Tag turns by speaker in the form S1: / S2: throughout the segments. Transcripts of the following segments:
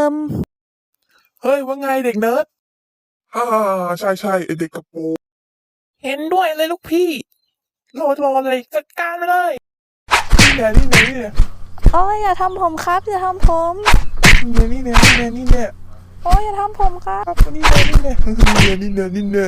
S1: ม
S2: เฮ้ยว่าไงเด็กเนิร์ดใช่ใช่ไอเด็กกระโปรงเห็นด้วยเลยลูกพี่รอเลยจัดการไปเลยนี่แน่
S1: โอ้ยอย่าทำผมครับอย่าทำผม
S2: นี่แน่
S1: โอ้ยอย่าทำผมครับ
S2: นี่แน่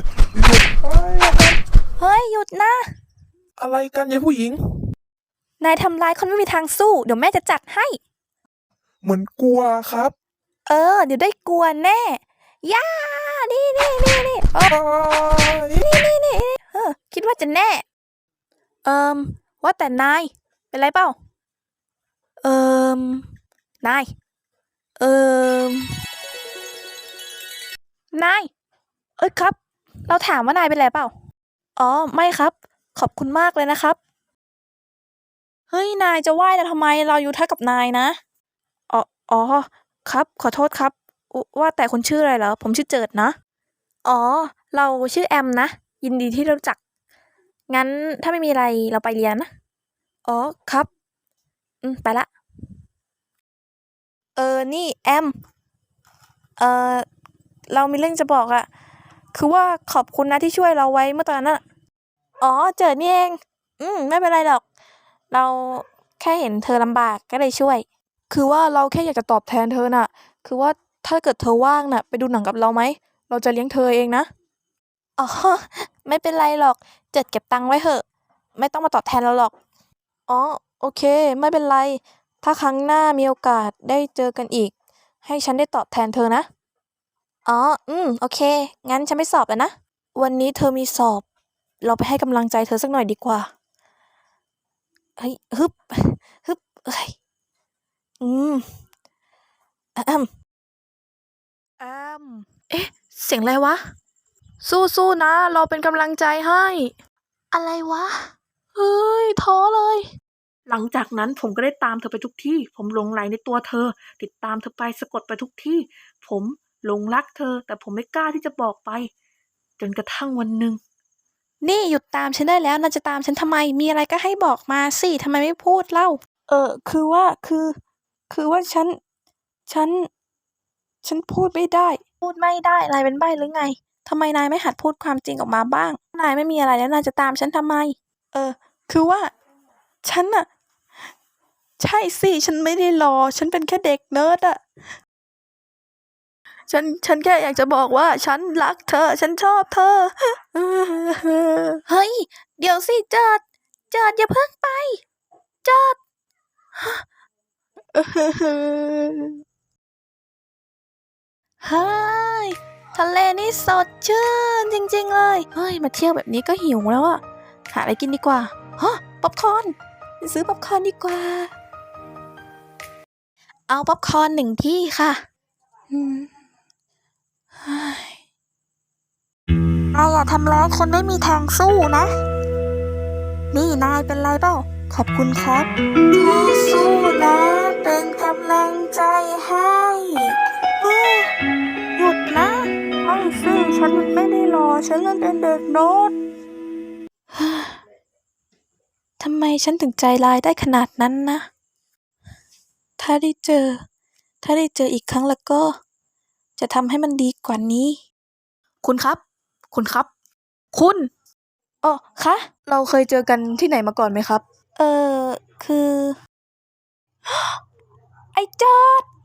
S1: เฮ้ยหยุดนะ
S2: อะไรกันยายผู้หญิง
S1: นายทำร้ายคนไม่มีทางสู้เดี๋ยวแม่จะจัดให้
S2: เหมือนกลัวครับ
S1: เดี๋ยวได้กลัวแน่ย่านี่นี่คิดว่าจะแน่ว่าแต่นายเป็นไรเปล่านายนายครับเราถามว่านายเป็นไรเปล่าอ๋อไม่ครับขอบคุณมากเลยนะครับเฮ้ยนายจะไหว้เราทำไมเราอยู่ท่ากับนายนะอ๋อครับขอโทษครับว่าแต่คุณชื่ออะไรเหรอผมชื่อเจิดนะอ๋อเราชื่อแอมนะยินดีที่รู้จักงั้นถ้าไม่มีอะไรเราไปเรียนนะอ๋อครับไปละนี่แอมเรามีเรื่องจะบอกอะคือว่าขอบคุณนะที่ช่วยเราไว้เมื่อตอนนั้นอะอ๋อเจิดนี่เองไม่เป็นไรหรอกเราแค่เห็นเธอลำบากก็เลยช่วยคือว่าเราแค่อยากจะตอบแทนเธอน่ะคือว่าถ้าเกิดเธอว่างน่ะไปดูหนังกับเราไหมเราจะเลี้ยงเธอเองนะอ๋อไม่เป็นไรหรอกเจิดเก็บตังค์ไว้เถอะไม่ต้องมาตอบแทนเราหรอกอ๋อโอเคไม่เป็นไรถ้าครั้งหน้ามีโอกาสได้เจอกันอีกให้ฉันได้ตอบแทนเธอนะอ๋อโอเคงั้นฉันไม่สอบแล้วนะวันนี้เธอมีสอบเราไปให้กำลังใจเธอสักหน่อยดีกว่าเฮ้ยฮึบเอ้ยอ้เอ๊ะเสียงอะไรวะสู้ๆนะเราเป็นกำลังใจให้อะไรวะเฮ้ยท้อเลยหลังจากนั้นผมก็ได้ตามเธอไปทุกที่ผมหลงใหลในตัวเธอติดตามเธอไปสะกดไปทุกที่ผมหลงรักเธอแต่ผมไม่กล้าที่จะบอกไปจนกระทั่งวันหนึ่งนี่หยุดตามฉันได้แล้วนายจะตามฉันทำไมมีอะไรก็ให้บอกมาสิทำไมไม่พูดเล่าคือว่าคือว่าฉันพูดไม่ได้พูดไม่ได้นายเป็นใบ้หรือไงทำไมนายไม่หัดพูดความจริงออกมาบ้างนายไม่มีอะไรแล้วนายจะตามฉันทำไมคือว่าฉันน่ะใช่สิฉันไม่ได้รอฉันเป็นแค่เด็กเนิร์ดอะฉันแค่อยากจะบอกว่าฉันรักเธอฉันชอบเธอเฮ้ยเดี๋ยวสิเจิดอย่าเพิ่งไปเจิดเฮ้ยทะเลนี่สดชื่นจริงๆเลยเฮ้ยมาเที่ยวแบบนี้ก็หิวแล้วอะหาอะไรกินดีกว่าฮะป๊อปคอร์นซื้อป๊อปคอร์นดีกว่าเอาป๊อปคอร์น1 ที่ค่ะนายอย่าทำร้ายคนไม่มีทางสู้นะนี่นายเป็นไรเปล่าขอบคุณครับที่สู้นะเป็นกำลังใจให้หยุดนะไม่สิฉันไม่ได้รอฉันเป็นเด็กโน้ตทำไมฉันถึงใจร้ายได้ขนาดนั้นนะถ้าได้เจออีกครั้งแล้วก็จะทำให้มันดีกว่านี้คุณครับคุณอ๋อคะเราเคยเจอกันที่ไหนมาก่อนไหมครับคือไอ้เจิด